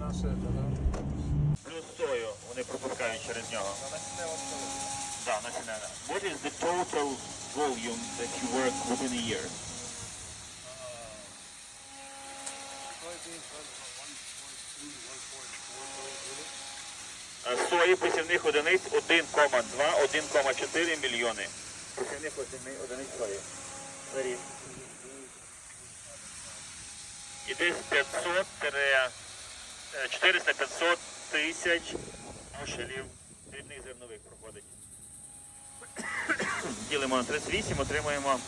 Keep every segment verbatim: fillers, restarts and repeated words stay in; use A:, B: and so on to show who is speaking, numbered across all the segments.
A: Плюс сою вони пропускають через нього. Да, насінина. What is the total volume that you work within a year? Е, Сої посівних одиниць один кома два - один кома чотири мільйони. Посівних одини- одиниць сої. За рік. І десь п'ятсот чотириста п'ятсот тисяч бушелів дрібних зернових проходить. Ділимо на тридцять вісім, отримуємо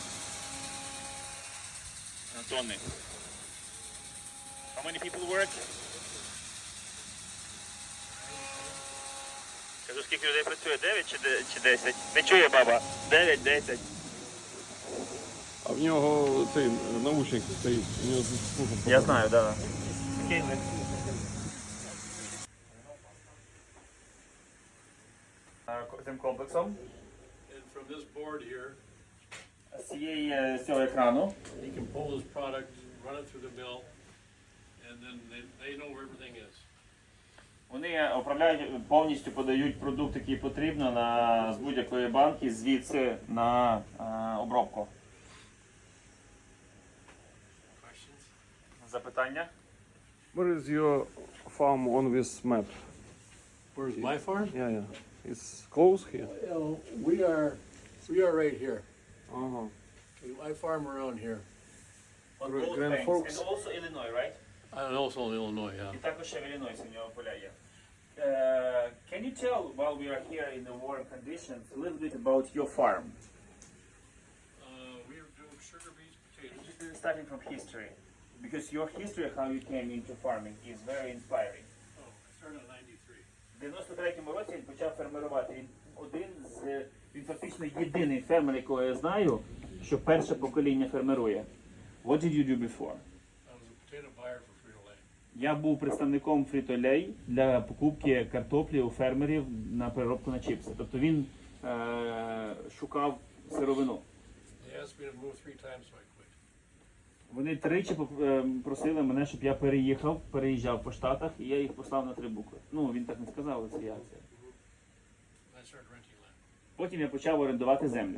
A: тонни. How many people work? Кажу, скільки людей працює? дев'ять чи де- чи десять? Не чує баба. дев'ять, десять.
B: А в нього цей наушник стоїть, у нього слухом.
A: Я знаю, так. Да. Цим комплексом.
C: And from this board here,
A: З цієї, з цього екрану
C: he can pull his product, run it through the mill, and then they, they know where everything is.
A: вони управляють, повністю подають продукт, який потрібно на, з будь-якої банки, звідси на е, обробку.
C: Questions?
A: Запитання?
B: Where is your farm on this map?
C: Where's my farm?
B: Yeah, yeah. It's close here.
C: Well, we are, we are right here.
B: Ага.
C: I farm around here.
A: On
B: Grand
A: both banks.
B: Forks.
A: And also Illinois, right?
C: And also in Illinois, yeah.
A: І також ще в Іллінойсі в нього поля є. Uh, can you tell, while we are here in the warm conditions, a little bit about your farm?
C: Uh, we are doing sugar beets, potatoes.
A: Starting from history, because your history, how you came into farming, is very inspiring.
C: Oh, I started in ninety-three.
A: В дев'яносто третьому році він почав фермерувати. Він один з, він фактично єдиний фермер, якого я знаю, що перше покоління фермерує. What did you do before?
C: I was a potato buyer for Frito-Lay.
A: Я був представником Frito-Lay для покупки картоплі у фермерів на переробку на чіпси. Тобто він е- шукав сировину.
C: They asked me to move three times, so I quit.
A: Вони тричі поп- е, просили мене, щоб я переїхав, переїжджав по Штатах, і я їх послав на три букви. Ну, він так не сказав, але це я. Це.
C: I started renting land.
A: Потім я почав орендувати землю.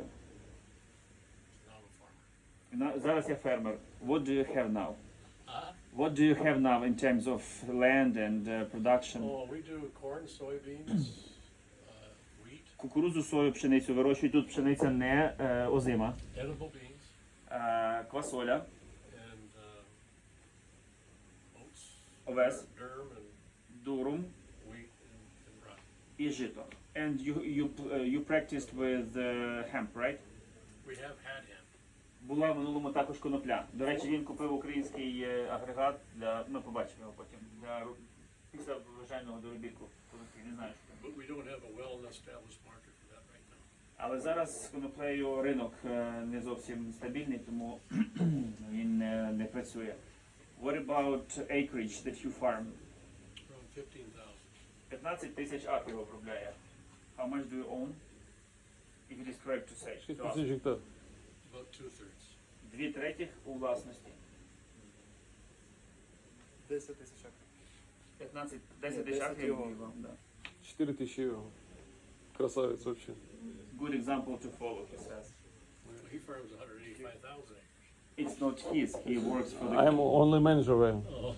C: Now I'm a farmer.
A: І на- Зараз я фермер. What do you have now?
C: Uh,
A: What do you have now in terms of land and uh, production?
C: oh, we do corn, soybeans, uh, wheat,
A: Кукурудзу, сою, пшеницю вирощують. Тут пшениця не е, озима.
C: edible beans,
A: Е, квасоля,
C: and uh, oats,
A: овес,
C: durum, and
A: дурум
C: wheat, and, and rye.
A: і жито. And you, you, uh, you practiced with uh, hemp, right?
C: We have had him.
A: Була в минулому також конопля. До речі, він купив український е, агрегат для, ми побачимо його потім, для ру- після врожайного доробітку. Конопля, не знаю, що там.
C: But we don't have a well-established market for that right now.
A: Але зараз з коноплею ринок е, не зовсім стабільний, тому він не, не працює. What about acreage that you farm?
C: Around fifteen thousand.
A: п'ятнадцять тисяч акрів обробляє. How much do you own? If it is correct to say.
B: шість
A: to ask.
B: тисяч гектар.
C: About two-thirds.
A: Дві третіх у власності.
D: десять тисяч акрів.
A: п'ятнадцять, десять
D: Ні,
A: тисяч
D: десять
A: акрів.
D: його.
A: і вам, да.
B: чотири тисячі євро. Красавець вообще.
A: Good example to follow, he says.
C: Well, he farms one hundred eighty-five thousand acres.
A: It's not his, he works for the...
B: I'm only manager there
C: Oh.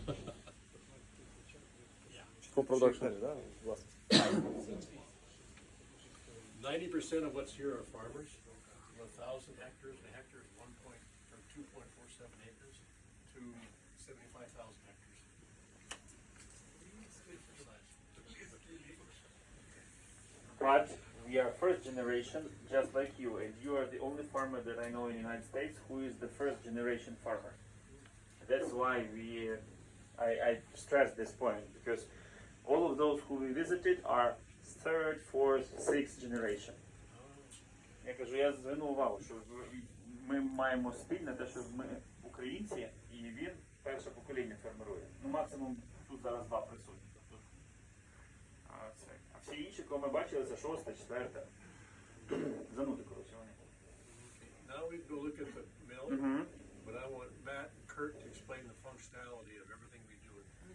B: for production.
D: Гектарів, да, власність.
C: Ninety percent of what's here are farmers. One thousand hectares, a hectare is one point, from two point four seven acres to seventy-five thousand hectares.
A: But we are first generation, just like you, and you are the only farmer that I know in the United States who is the first generation farmer. That's why we, uh, I, I stress this point, because all of those who we visited are third, fourth, sixth generation. Я кажу, я звернув увагу, що ми маємо спільне те, що ми українці, і він перше покоління фермерує. Ну, максимум тут зараз два присутні. Тобто, а, це. А всі інші, кого ми бачили, це шоста, четверта. Занути, коротше, вони.
C: Now we go look at the mill,
A: Мгм.
C: but I want Matt and Kurt to explain the functionality of everything we do.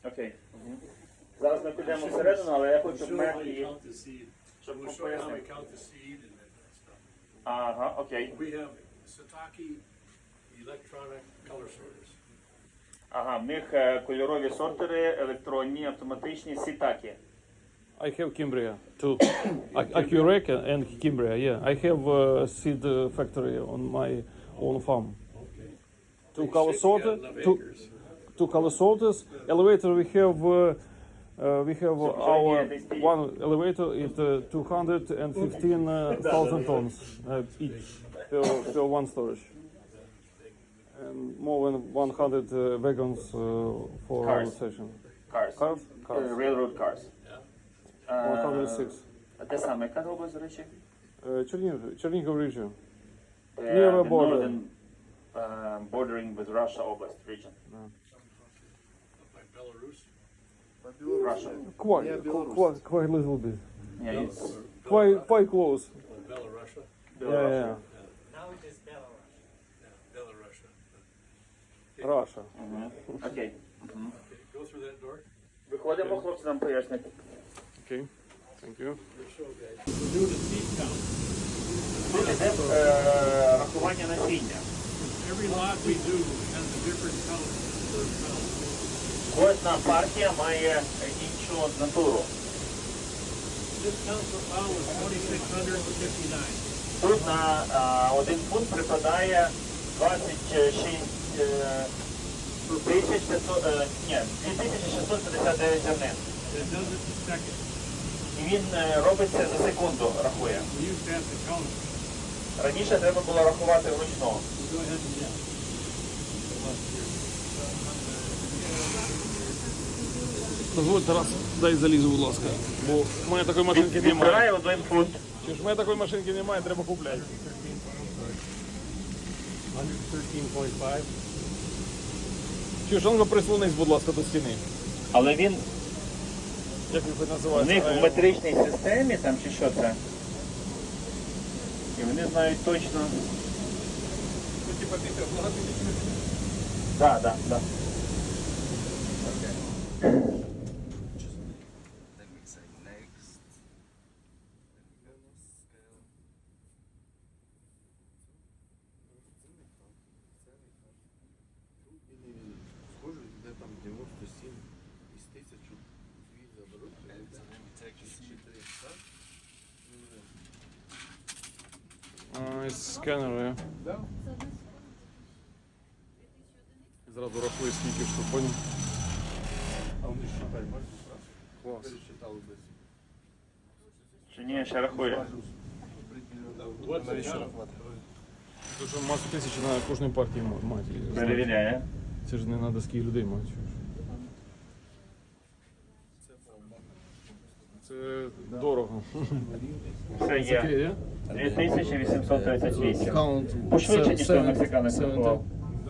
A: Окей. Мгм. Зараз ми підемо всередину, але я хочу
C: We'll show how you
A: Мегі,
C: count the seed.
A: щоб
C: We'll show you how we
A: пояснити.
C: count the seed and that kind of stuff.
A: Ага, окей.
C: We have Sataki electronic color sorters.
A: Ага, в них е, кольорові сортери, електронні, автоматичні, сітакі.
B: I have Kimbria too. Ac- Accurec and Kimbria, yeah. I have uh, seed uh, factory on my own farm.
C: Okay.
B: Two
C: You
B: color
C: said you got
B: sorter,
C: enough
B: two,
C: acres.
B: two color sorters. Elevator we have uh, uh, we have our one elevator is uh, two hundred fifteen thousand tons uh, each per, per one storage. And more than one hundred uh, wagons uh, for
A: Cars.
B: session.
A: Cars.
B: Cars? Cars.
A: Е, Railroad cars.
B: one hundred six.
A: А де саме, яка область, до речі?
B: Uh, Чернігів, Чернігів region.
A: Е,
B: Near
A: the
B: the border.
A: northern, uh, bordering with Russia область, region.
C: By Belarus.
A: Russia.
B: Quite,
D: Yeah, Belarus.
B: quite, quite a little bit.
A: Yeah, it's
B: Quite, quite close.
C: Belarus.
B: Yeah, yeah,
E: Now it is Belarus.
C: Yeah, Belarus.
B: yeah. Russia.
A: Мгм. Окей. Мгм.
C: Okay, go through that door.
A: Виходимо, хлопці нам пояснять.
B: Okay, thank you.
C: We'll show guys. We're doing a seed count.
A: Тут іде е, рахування насіння.
C: Every lot we do has a different count per pound.
A: Кожна партія має іншу натуру.
C: This count per pound was twenty-six hundred fifty-nine.
A: Тут на е, один фунт припадає двадцять шість е, тисяч п'ятсот, е, ні, дві тисячі шістсот п'ятдесят дев'ять зернин.
C: And it does it in seconds.
A: І він е, робиться за секунду, рахує.
C: We used to have to count it.
A: Раніше треба було рахувати вручну.
C: Go ahead and yeah.
B: Дозвольте раз, дай залізу, будь ласка. Бо в мене такої машинки немає.
A: Відбирає один фунт.
B: Чи ж в мене такої машинки немає, треба купляти.
C: one thirteen point five.
B: Чи ж воно прислонись, будь ласка, до стіни.
A: Але він
B: Як ви
A: в
B: називаєте?
A: них в метричній системі там чи що це. І вони знають точно. Так, так, так.
F: Then we say next.
G: Схоже, де там дев'яносто сім із тисячу дві заберуть.
F: And so then we take the seed.
B: Сканери. Зразу рахую, скільки штук, поняв?
G: А вони считають, бачиш,
B: Клас.
G: пересчитали десь.
A: Чи ні, ще рахує.
C: What's the count?
B: Дуже масу тисяч на кожній партії ма- мати.
A: Перевіряє.
B: Це ж не на доски людей мати. Це дорого.
A: Все є.
B: є?
A: дві тисячі вісімсот тридцять вісім.
B: Count.
A: Пошвидше, ніж той мексиканець
B: Seventy.
A: рахував.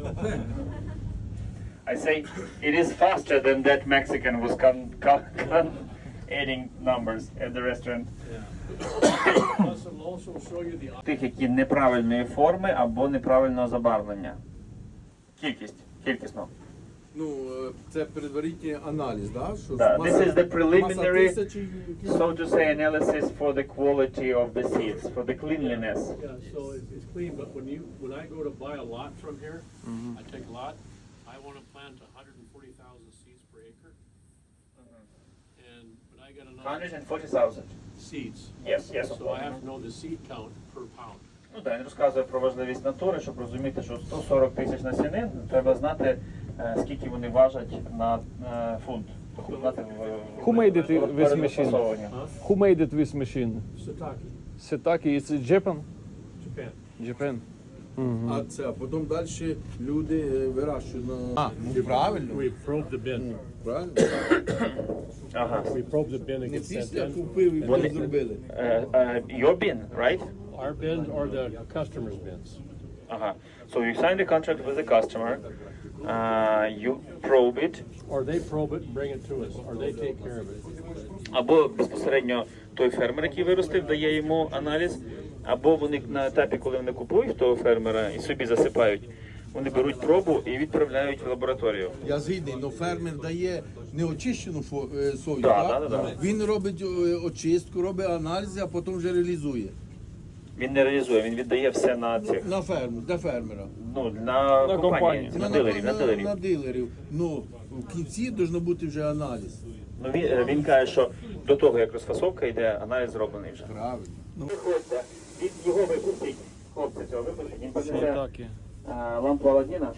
A: I say it is faster than that Mexican was con- con- con- adding numbers at the restaurant.
C: Plus, it'll also show you the
A: Тих, які неправильної форми або неправильного забарвлення. Кількість, кількісно.
G: Ну, е, це предварительний аналіз, да? Що
A: Да,
G: маса-
A: this is the preliminary,
G: маса тисячі,
A: so to say, analysis for the quality of the seeds, for the cleanliness.
C: Yeah, so it's, it's clean, but when you, when I go to buy a lot from here, I take a lot, I wanna plant a hundred and forty thousand seeds per acre. And, but I got
A: one
C: enough
A: hundred forty thousand.
C: seeds,
A: Yes, yes, of
C: so I
A: course.
C: have to know the seed count per pound.
A: Ну так, він розказує про важливість натури, щоб розуміти, що сто сорок тисяч насінин, треба знати, е, скільки вони важать на е, фунт. Тобто знати в-
B: Who made it
A: в-
B: with
A: перед
B: machine?
A: застосовуванням.
C: Huh?
B: Who made it with machine?
C: Sataki,
B: Setaki, it's Japan?
C: Japan.
B: Japan.
G: А це, а потім далі люди е, вирощують на... А, ну правильно.
C: We probe the bin.
G: Правильно?
A: Ага.
C: We probe the bin and
G: Не
C: get sent
G: після
C: in.
G: купив і
A: Вони-
G: потім зробили.
A: Е, е, your bin, right?
C: Our bin or the customer's bins.
A: Ага. So you sign the contract with the customer, uh, you probe it,
C: Or they probe it and bring it to us, or they take care of it.
A: або безпосередньо той фермер, який виростив, дає йому аналіз, або вони на етапі, коли вони купують того фермера і собі засипають, Вони беруть пробу і відправляють в лабораторію.
G: Я згідний, але фермер дає неочищену фо- е, сою,
A: Да,
G: так?
A: да, да, да.
G: Він робить е, очистку, робить аналізи, а потім вже реалізує.
A: Він не реалізує, він віддає все на цих,
G: На ферму, для фермера.
A: ну, на,
B: На
A: компанії,
B: компанії.
A: на дилерів, на дилерів.
G: на дилерів. Ну, в кінці має бути вже аналіз.
A: Ну, він, е, він каже, що до того, як розфасовка йде, аналіз зроблений вже.
G: Правильно. Ну,
A: Виходьте, від його випустіть, хлопці цього випустіть, він понесе
B: Так є.
A: е, лампу Аладдіна.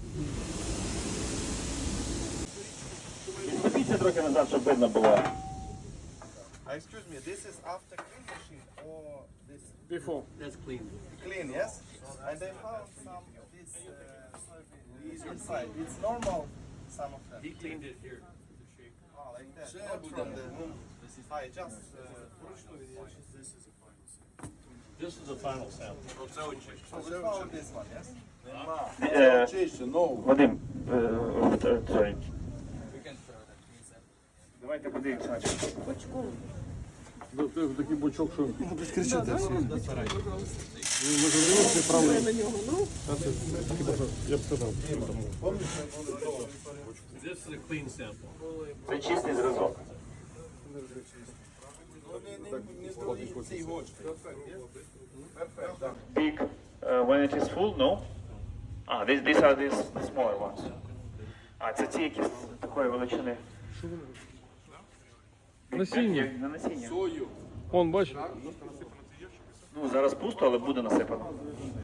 A: Відступіться трохи назад, щоб видно було.
F: Uh, excuse me, this is after clean machine or this
C: Before. That's clean.
F: clean, yes? And they found some of this uh, soybean inside. It's normal, some of them.
C: He cleaned it here. The shape.
F: Oh, like that. Not from the I just uh,
C: This is a final sample. This is a final sample.
F: so we found this one, yes?
A: Е,
G: чище, нову.
A: Вадим, е, е, sorry. Давайте подивимося.
B: Такий бочок, що я б сказав.
C: This is a clean sample.
A: Це чистий зразок. Big, uh, when it is full, no? Ah, these, these are these the smaller ones. А, це ті, які з такої величини.
B: Насіння.
A: Як на насіння.
B: Вон, бач,
A: Ну, зараз пусто, але буде насипано.